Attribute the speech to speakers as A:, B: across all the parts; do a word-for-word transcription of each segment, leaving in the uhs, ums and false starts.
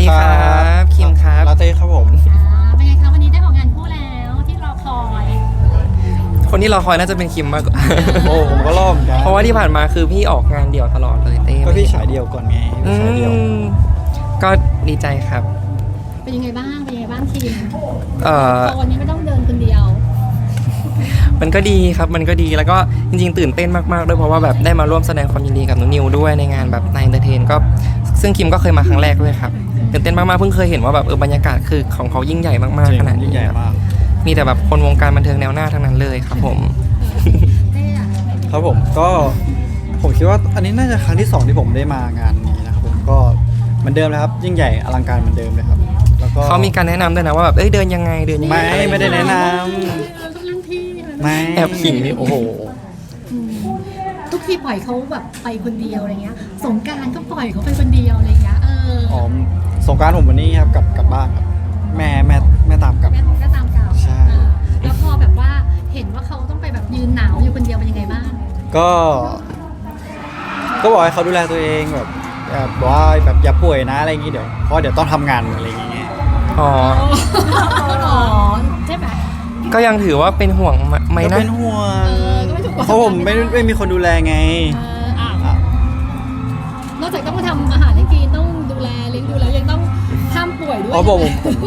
A: ดีครับคิมครับ
B: ลาเต้ครับผม
C: อ่าเป็นไงคะวันนี้ได้ออกงานคู่แล้วที่รอคอย
A: คนที่รอคอยน่าจะเป็นคิมมากกว่า
B: โอ้ผมก็รอบเหมือนกัน
A: เพราะว่าที่ผ่านมาคือพี่ออกงานเดี่ยวตลอดเลยเต้
B: ก็พี่ฉายเดียวก่อนไง
A: อื
B: พี่ฉายเดียว
A: มก็ดีใจครับ
C: เป็นยังไงบ้างเป็นยังไงบ้างคิม
A: เอ่อ
C: ตอนนี้ไม่ต้องเดินคนเดียว
A: มันก็ดีครับมันก็ดีแล้วก็จริงๆตื่นเต้นมากๆด้วยเพราะว่าแบบได้มาร่วมแสดงความยินดีกับน้องนิวด้วยในงานแบบนายเอนเตอร์เทนก็ซึ่งคิมก็เคยมาครั้งแรกด้วยครับตื่นเต้นมากๆเพิ่งเคยเห็นว่าแบบเออบรรยากาศคือของเขายิ่งใหญ่มาก
B: จริ
A: ๆ
B: ง
A: ขนาด
B: ยิ่
A: นี้
B: งใหญ่
A: ครับ
B: มาก
A: มีแต่แบบคนวงการบันเทิงแนวหน้าทั้งนั้นเลยครับผม
C: เต้อะ
B: ครับผมก็ผมคิดว่าอันนี้น่าจะครั้งที่สองที่ผมได้มางานนี้นะครับผมก็เหมือนเดิมนะครับยิ่งใหญ่อลังการเหมือนเดิมเลยครับแล้วก็
A: เขามีการแนะนำด้วยนะว่าแบบเอ้ยเดินยังไงเดินยังไง
B: ไม่ไม่ได้แนะน
C: เราต้องนั่งที่เลย
B: ำไม่
A: แอบขิงนี่
B: โอ้โห
C: อืมทุกทีปล่อยเขาแบบไปคนเดียวอะไรเงี้ยสงกรารก็ปล่อยเขาไปคนเดียวอะไรเงี้ยเออ
B: อ๋อสงกรารผมวันนี้ครับกลับกลับบ้านครับแม่แม่แม่ตามกลับ
C: แม่ก็ตามเก่า
B: ใช่
C: เออแล้วพอแบบว่าเห็นว่าเขาต้องไปแบบยืนหนาวอยู่คนเดียวเป็นยังไงบ้าง
B: ก็ ก็บอกให้เขาดูแลตัวเองแบบแบบบอกว่าแบบอย่าป่วยนะอะไรอย่างงี้เดี๋ยวเพราะเดี๋ยวต้องทำงานอะไรอย่างเงี้ย
A: อ๋อ
C: อ๋อใช่ไหม
A: ก็ยังถือว่าเป็นห่วงไหม
B: ก็
A: นะ
B: เป็นห่ว
C: เอง อก็ไม่ถูกกว่า
B: เพราะผมไม่ไม่มีคนดูแลไง
C: เอออ่ะ
B: อ่ะ
C: นอกจากต้องมาทำอาหารให้กินต้องดูแลเลี้ยงดูแล้วยังต้องห้ามป่วยด้วย
B: อ๋อบอกผมผม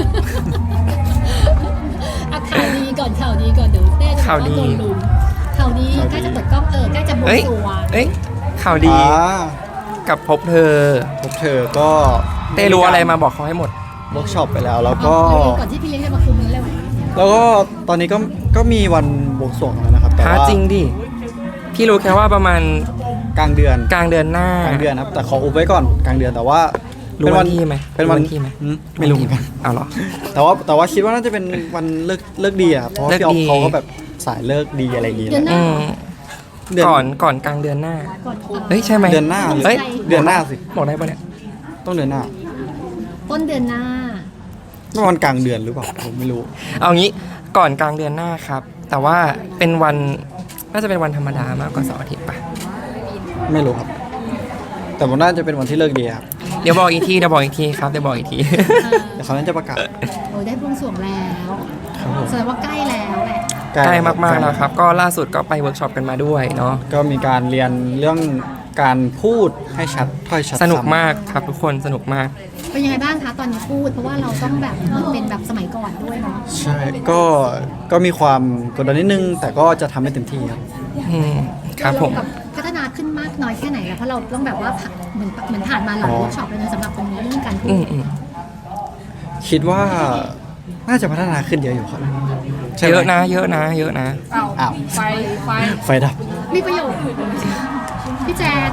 C: อ่ะข่าวดีก่อนข่าวดีก่อนเดี๋ยวเต้จะบอก
A: ข่าวดี
C: โดนลุมข่าวดีใกล้จะเปิดกล้องเออใกล้จะบวง
A: เอ้ย
C: สรวง
A: เอ้ยข่าวดี
B: อ่า
A: กับพบเธอ
B: พบเธอก็
A: เต้รู้อะไรมาบอกเขาให้หมด
B: เวิร์กช็อปไปแล้วแล้วก็
C: เอาเอาก่อนที่พี่เลี้ยงจะมาคุมนั้นเลยไหม
B: แล้วก็ตอนนี้ก็ก็มีวันบวงสรวงแล้วนะครับแต่
A: หา
B: ว่า
A: จริงดิ พี่รู้แค่ว่าประมาณ
B: กลางเดือน
A: กลางเดือนหน้าก
B: ลางเดือนครับแต่ขออุบไว้ก่อนกลางเดือนแต่ว่า
A: รู้วันที่ไหม
B: เป็นวัน
A: รู้วันที่ไหม
B: อืไม่รู้เหมือนกัน
A: เอาเหรอ
B: แต่ว่าแต่ว่าคิดว่าน่าจะเป็นวันเลิกเลิกดีอะครับเพราะว่า
A: เลิก
B: พี่ออฟ
A: ดี
B: เขาก็แบบสายเลิกดีอะไรอย่างงี้
C: เดือนห
A: อื
C: น้าม
B: เดือน
A: ก่อนก่อนกลางเดือนหน้า
C: ก่อน
A: เฮ้ยใช่ไหม
B: เดือนหน้า
A: เฮ้ย
B: เดือนหน้าสิ
A: บอกได้ปะเนี่ย
B: ต้องเดือนหน้า
C: ต้นเดือนหน้า
B: ไม่วันกลางเดือนหรือเปล่าผมไม่รู้
A: เอางี้ก่อนกลางเดือนหน้าครับ แต่ว่าเป็นวันน่าจะเป็นวันธรรมดามากกว่าเสาร์อาทิตย์ปะ
B: ไม่รู้ครับ แต่ผมน่าจะเป็นวันที่เลิกดีครับ
A: เดี๋ยวบอกอีกทีเดี๋ยวบอกอีกทีครับเดี๋ยวบอกอีกที
C: เออ
B: เดี๋ยวเขาน่าจะประกาศ
C: โอ้ยได้บวงสรวงแล้ว
B: ครับผม
C: แสดงว่าใกล้แล้วแหละ
A: ใกล้มากๆแล้วครับ ก็ล่าสุดก็ไปเวิร์กช็อปกันมาด้วยเนาะ
B: ก็มีการเรียนเรื่องการพูดให้ชัดถ้อยชัด
A: สนุก
B: ซ้ำ
A: มากครับทุกคนสนุกมาก
C: เป็นยังไงบ้างคะตอนนี้พูดเพราะว่าเราต้องแบบเหมือนเป็นแบบสมัยก่อนด้วยเนาะ
B: ใช่ก็ก็มีความกดดันนิดนึง แต่ก็จะทำให้เต็มที่ครับ
A: อืมครับผม
C: เราแบบพัฒนาขึ้นมากน้อยแค่ไหนแล้วเพราะเราต้องแบบว่าเหมือนเหมือนผ่านมาหลายเวิร์กช็อปเลยนะสำหรับตรงนี้เรื่องการพู
A: อื
C: ด
A: มอืม
B: คิดว่าน่าจะพัฒนาขึ้นเยอะอยู่ครับใช่ไหม
A: เยอะนะ เยอะนะ เยอะนะ
B: อ้าว
C: ไฟไฟ
B: ไฟดับ
C: มีประโยชน์พี่แจน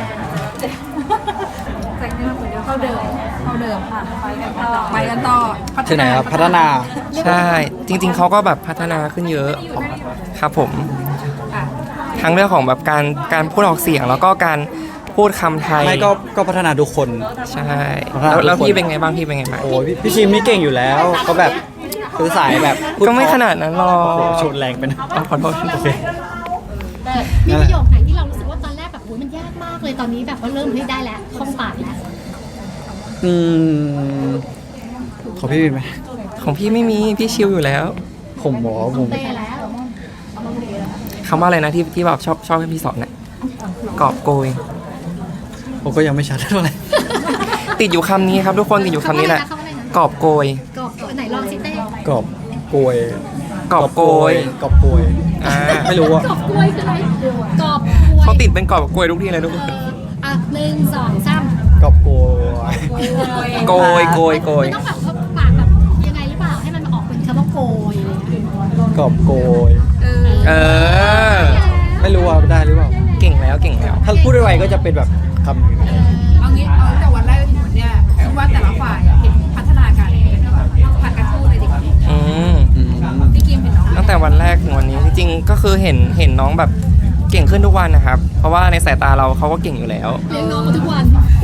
D: แต่งเนื้อเหมือนเดิมเข้าเดิมเข้าเดิมค่ะไปกันต่อไปกันต่อ
B: ที่ไหนครับพัฒนา
A: ใช่ จริง ๆเขาก็แบบพัฒนาขึ้นเยอะครับผม ทั้งเรื่องของแบบการการพูดออกเสียงแล้วก็การพูดคำไทย
B: ไม่ก็ก็พัฒนาทุกคน
A: ใช่
B: พัฒนา
A: แล้วแล้ว
B: ทุกคน
A: พี่เป็นไงบ้างพี่เป็นไงบ้าง
B: โอ้ยพี่พี่ชิมนี่เก่งอยู่แล้วก็แบบคือสายแบบพู
A: ก็ไม่
B: เพระ
A: ขนาดนั้นหรอ
B: โอ้โห
A: ก
B: ชนแรงไปนะ
A: อ๋อขอโทษ
B: โอเค
C: มีประโยคไหนที่เรารู้สึกว่าตอนแรกแบบโอ้ยมันยากมากเลยตอนนี้แบบว่าเริ่มเฮ้ยได้แล้วคล่องปากแล้ว
B: อืมขอพี่มีไหม
A: ของพี่ไม่มีพี่ชิลอยู่แล้ว
B: ผมบอกว่าผม
C: เต้แล้ว
A: คำว่าอะไรนะที่ที่แบบชอบชอบให้พี่สอนน่ะกอบโกย
B: ผมก็ยังไม่ชัดเท่าไหร่
A: ติดอยู่คำนี้ครับทุกคนติดอยู่คำนี้แหละ
C: คำว่าอะไรนะ
A: กอบโกย
C: กอบไหนลองสิเต้
B: กรอบโกย
A: กอบโกย
B: กรอบโกย
A: อ่า
B: ไม่รู้อะ
C: กอบกล้วยคืออะไรกอบกล้วย
A: เขาติดเป็นกอบโกยทุกทีเลยทุกคน
C: เอออ่ะหนึ่งสองสาม
B: กรอบโกย
A: โกยโกยโกย
C: มันต้องแบบว่าปากแบบยังไงหรือเปล่าให้มันออกเป็นคำว่าโกยอะไรอย่างเงี้ย
B: กรอบโกย
A: เออ
B: ไม่รู้ว่าได้หรือเปล่า
A: เก่งแล้วเก่งแล้ว
B: ถ้าพูดไวๆก็จะเป็นแบบคำนี้
D: เอางี้เอาตั้งแต่วันแรกจนถึงวันเนี้ยคิดว่าแต่ละฝ่ายเห็นพัฒนาการยังไงกันบ้างผ่านการพูดเลยดีกว่า
A: อืม
B: อืม
D: พี่กิมเห็นน้อง
A: ตั้งแต่วันแรกถึงวันนี้จริงๆก็คือเห็นเห็นน้องแบบเก่งขึ้นทุกวันนะครับ เพราะว่าในสายตาเราเขาก็เก่งอยู่แล้ว
C: เลี้ยงน้องมาทุกวัน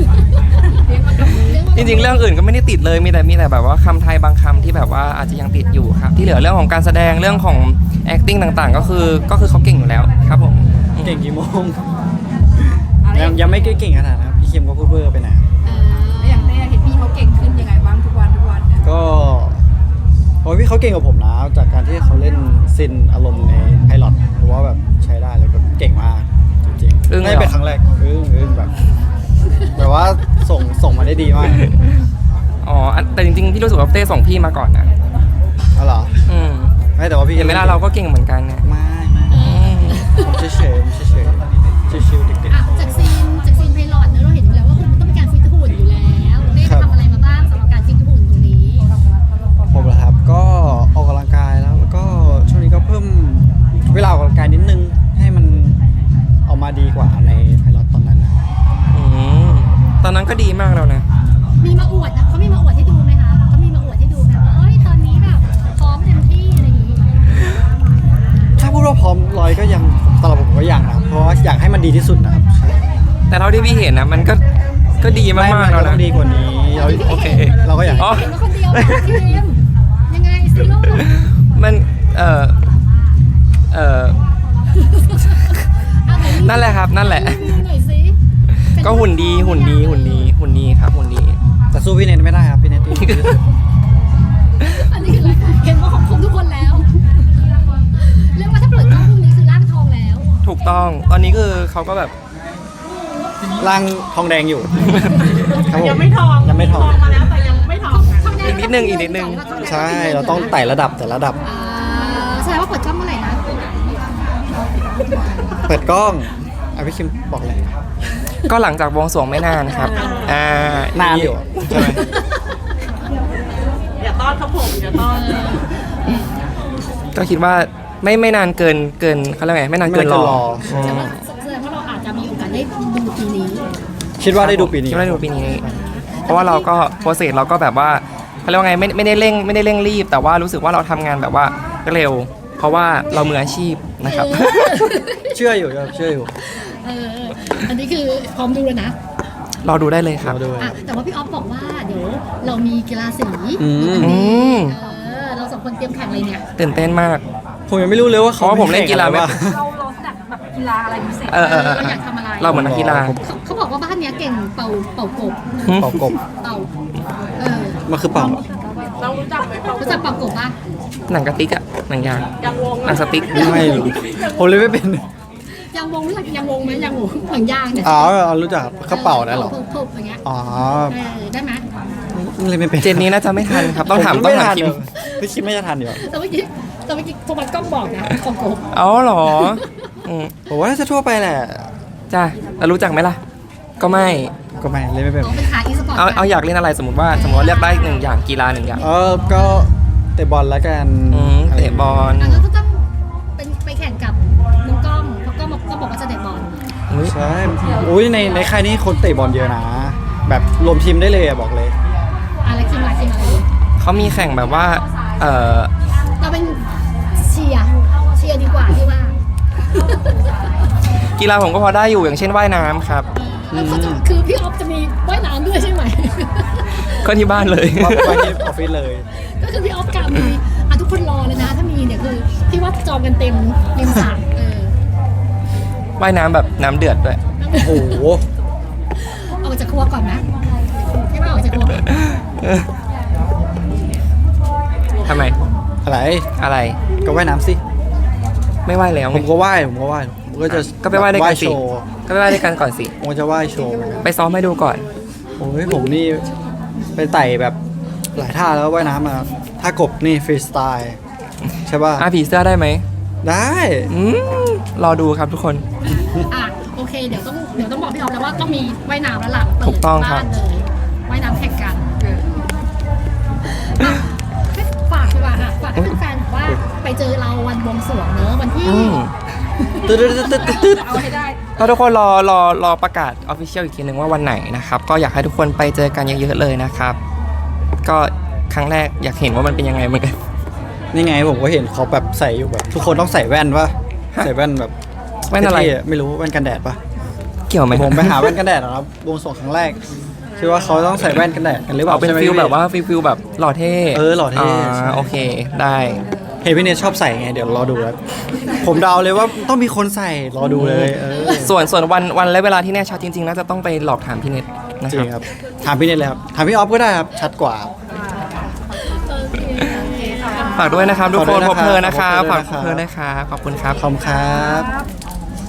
A: จริงๆ เรื่องอื่นก็ไม่ได้ติดเลยมีแต่มีแต่แบบว่าคำไทยบางคำที่แบบว่าอาจจะยังติดอยู่ครับ ที่เหลือเรื่องของการแสดงเรื่องของ acting ต่างๆ ก็คือก็คือเขาเก่งอยู่แล้วครับผม
B: เก่งกี่โมงยังยังไม่เก่งขนาดนั้นครับพี่คิมก็พูดเวอร์ไปหน่อย
C: เออ
D: แล้วอย่างเต้เห็นพี่เขาเก่งขึ้นยังไง
B: ก็โอ้ยพี่เขาเก่งกว่าผมนะจากการที่เขาเล่นซินอารมณ์ในไพลอตเพราะว่าแบบใช้ได้เลยแบบเก่งมากจริงๆ
A: อึ้งเลยเหรอ
B: ไม่เป็นครั้งแรกอึ้งอึ้งแบบแบบว่าส่งส่งมาได้ดีมาก
A: อ๋ออันแต่จริงๆพี่รู้สึกว่าเต้ส่งพี่มาก่อนนะ
B: อ๋อเหรอ
A: อืม
B: ไม่แต่ว่าพี่
A: เห็นไหมล่ะเราก็เก่งเหมือนกันเนี่ย
B: ไม่ไม่
A: อืม
B: ผมเฉยเฉยๆผมเฉยเฉยๆชิวๆเด็ก
C: อ่ะจากซีนจากซีนไพลอตเนอะเราเห็นอยู่แล้วว่าคุณต้องมีการฟิตหุ่นอยู่แล้วได้ทำอะไรมาบ้างสำหรับการฟิตหุ่นตรงนี้
B: ๆผมเหรอครับก็ออกกำลังกายแล้วแล้วก็ช่วงนี้ก็เพิ่มเวลาออกกำลังกายนิดนึงให้มันออกมาดีกว่าในไพลอตตอนนั้นนะ
A: อืมตอนนั้นก็ดีมากแล้วนะ
C: มีมาอวดนะเขามีมาอวดให้ดูไหมคะเขามีมาอวดให้ดูไหมว่าเอ้ยตอนนี้แบบพร้อมเต็มที่อะไรอย่างงี้
B: ถ้าพูดว่าพร้อมร้อยก็ยังสำหรับผมก็ยังนะครับเพราะว่าอยากให้มันดีที่สุดนะครับ
A: แต่เท่าที่พี่เห็นนะมันก็ก็ดีมากๆ
B: ไน
A: แล้ว
B: ต้
A: นะ
B: องดีกว่านี้เรา
A: โอเค
B: เราก็อยาก
A: อ๋อ
C: เห็นว่าคนเดียวเหรอทีมยังไงซีโร่
A: มันเออเออ
C: เอาไหนรีวิว
A: นั่นแหละครับนั่นแหละ
C: รีวิวหน่อยสิ
A: ก็หุ่นดีหุ่นดีหุ่นดีหุ่นดีครับหุ่นดี
B: แต่สู้พี่เนทไม่ได้ครับพี่เนทดีที่สุด
C: อันนี้คืออะไรเห็นว่าของคมทุกคนแล้วเรียกว่าถ้าเปิดกล้องพรุ่งนี้คือร่างทองแล้ว
A: ถูกต้องตอนนี้คือเขาก็แบบ
B: ร่างทองแดงอยู่ครับผม
E: ยังไม่ทอง
B: ยังไม่ทอง
E: มาแล้วแต่ยังไม่ทองนะ
C: ทองแด
A: อีกนิดนึงอีกนิดนึง
B: ใช่เราต้องไต่ระดับแต่ระดับ
C: อ่าแสดงว่าเปิดกล้องเมื่อไหร่นะ
B: เปิดกล้องอ่ะพี่คิมบอกเลย
A: ก็หลังจากบวงสรวงไม่นานครับอ่าน
B: านอยู่ใช่ไหม
E: อย่าต้อนครับผมอย่าต้อน
A: ก็คิดว่าไม่ไม่นานเกินเกินเขาเรียกไงไม่นานเกินรออืม
C: แสดงว่าเราอาจจะมีโอกาสได้ดูปีนี้
B: คิดว่าได้ดูปีนี้
A: คิดว่าได้ดูปีนี้ เพราะว่าเราก็โปรเซสเราก็แบบว่าเขาเรียกว่าไงไม่ไม่ได้เร่งไม่ได้เร่งรีบ แต่ว่ารู้สึกว่าเราทำงานแบบว่าเร็ว เพราะว่าเรามืออาชีพนะครับ
C: เออ
B: เชื่ออยู่ครับเชื่ออยู่
C: เอออันนี้คือพร้อมดูแล้วนะ
A: รอดูได้เลยครับ
B: เราดู
C: อ่ะแต่ว่าพี่ออฟบอกว่าเดี๋ยวเรามีกีฬาสี
B: อืม
A: อืม
C: เออเราสองคนเตรียมแข่งอะไรเนี่ย
A: ตื่นเต้นมาก
B: ผมยังไม่รู้เลยว่า
A: เพ
B: เขา
A: ราะว่าผมเล่นกีฬาไม่
B: แข่งอะรวะ
E: เราเราจัดแบบกีฬาอะไรพิเศษ
A: เออเออเออ
C: เราอยากทำอะไร
A: เราเหมือนนักกีฬา
C: เขาเขาบอกว่าบ้านเนี้ยเก่งเป่าเป่ากบ
B: เป่ากบ
C: เป่าเออ
B: มันคือเป่า
E: เรารู้จักไหมเปล่า
C: รู้จักเป่ากบป่ะ
A: หนังกระติกอะหนังยาง
E: ยังวง
A: หนังสติ๊ก
B: ไม่รู้ผมเลยไม่เป็น
C: ยังวงรู้จักยังวงไหมยังวงหนังยางเนี่ย
B: อ๋อรู้จักกระเป๋าได้เหรอ
C: ทุบๆอย่างเงี้ย
B: อ๋อ
C: เออได้ไหม
B: เลยไม่เป็น
A: เจนนี้น่าจะไม่ทันครับ ต้องถามต้องถามคิม
B: พี่คิมไม่จะทันอยู่
C: แต่เมื่อกี้แต่เมื่อกี้โทมัสกล้องบอกนะของกบ
A: เอาเหรออืม
B: ผมว่าน่าจะทั่วไปแหละ
A: จ้าแล้วรู้จักไหมล่ะ ก็ไม่
B: ก็ไม่เลยไม่เป็น
C: อ๋อเป็นขาอีสปอร์ต
A: เอาเอาอยากเล่นอะไรสมมติว่าสมมติว่าเลือกได้หนึ่งอย่างกีฬาหนึ่งอย่าง
B: เออก็เตะบอลแล้วกัน
A: อืมเตะบอล
C: อ่ะแล้วก็ต้องเป็นไปแข่งกับน้องกล้องเพราะกล้องบอกก็บอกว่าจะเตะบอล
A: อุ๊ย
B: ใช่อุ้ยในในค่ายนี้คนเตะบอลเยอะนะ แบบรวมทีมได้เลยอะบอกเลย
C: อะไรคิมอะไรคิมอะไร
A: เขามีแข่งแบบว่า เออ
C: เราเป็นเชียร์เชียร์ดีกว่าที่ว่า
A: กีฬาผมก็พอได้อยู่อย่างเช่นว่ายน้ำครับ
C: แล้วเขาจะคือพี่ออฟจะมีว่ายน้ำด้วยใช่ไหม
A: ก็ที่บ้านเลย
B: ว่าไปที่ออฟฟิศเลย
C: ก็คือพี่ออฟกามีอ่ะทุกคนรอเลยนะ ถ้ามีเนี่ยคือพี่ว่าจองกันเต็มริมสระเออ
A: ว่ายน้ำแบบน้ำเดือดด้วย
B: โอ้โห
C: ออกจากครัวก่อนนะพี่ว่าออกจากครัวก่อน
A: ทำไม
B: อะไร
A: อะไร
B: ก็ว่ายน้ำสิ
A: ไม่ว่ายแล้ว
B: ผ
A: ไง
B: มก็ว่ายผมก็ว่ายผมก็จะ
A: ก็ไปว่ายด้วยกันสิ
B: โชว์
A: ก็ไปว่ายด้วยกันก่อนสิ
B: ผมก็จะว่ายโชว์เหมือนกัน
A: ไปซ้อมให้ดูก่อน
B: โอ้ยผมนี่ไปไต่แบบหลายท่าแล้วว่ายน้ำมาท่ากบนี่ฟรีสไตล์ใช่ป่ะ
A: อ่ะผีเสื้อได้ไหม
B: ได้
A: อืมรอดูครับทุกคน
C: อ่ะโอเคเดี๋ยวต้องเดี๋ยวต้องบอกพี่ออฟแล้วว่าต้องมีว่ายน้ำแล้วล่ะเปิด
A: ถูกต้องครับ
C: บ้านเลยว่ายน้ำแข่งกันอ่ะให้ฝากดีกว่าค่ะฝากให้แฟนๆบอกว่าไปเจอเราวันบวงสรวงเนอะวันที่
A: อืม
B: ตึ๊ดตึ๊ดตึ๊ดตึ๊ดตึ๊ด
E: เอาให้ได้
A: ก็ทุกคนรอรอรอประกาศออฟฟิเชียลอีกทีหนึ่งว่าวันไหนนะครับ ก็อยากให้ทุกคนไปเจอกันเยอะๆเลยนะครับ ก็ครั้งแรกอยากเห็นว่ามันเป็นยังไงเหมือนกัน
B: นี่ไงผมก็เห็นเขาแบบใส่อยู่แบบ ทุกคนต้องใส่แว่นป่ะ
A: ฮะ
B: ใส่แว่นแบบ
A: แว่นอะไร
B: เท่ๆไม่รู้แว่นกันแดดป่ะ
A: เกี่ยวไหม
B: ผมไปหาแว่นกันแดดนะครับวงสองครั้งแรกคิดว่าเขาต้องใส่แว่นกันแดดกันหรือเปล่า
A: เอาเป็น
B: ใช่ไหม
A: ฟิล
B: พี่
A: แบบว่าฟิลฟิลแบบหล่อเท่
B: เออหล่อเท่ใช่
A: าโอเคได้
B: เห็นพี่เนทชอบใส่ไงเดี๋ยวรอดูแล้วผมเดาเลยว่าต้องมีคนใส่รอดูเลยเออ
A: ส่วนส่วนวันวันและเวลาที่แน่ชัดจริงๆน่าจะต้องไปหลอกถามพี่เน็ตนะ
B: จ
A: ค
B: ริ
A: รับ
B: งครับถามพี่เนทเลยครับถามพี่ออฟก็ได้ครับชัดกว่า
C: อ
A: ฝากด้วยนะครับทุกคน
B: ฝากด้วยนะครับ
A: พบเพลินนะครับ
B: ฝา
A: ฝาก ก
B: ด้วยนะครับ
A: เพลินนะครับขอบคุณครับ
B: ขอบคุณครับ
E: ครับ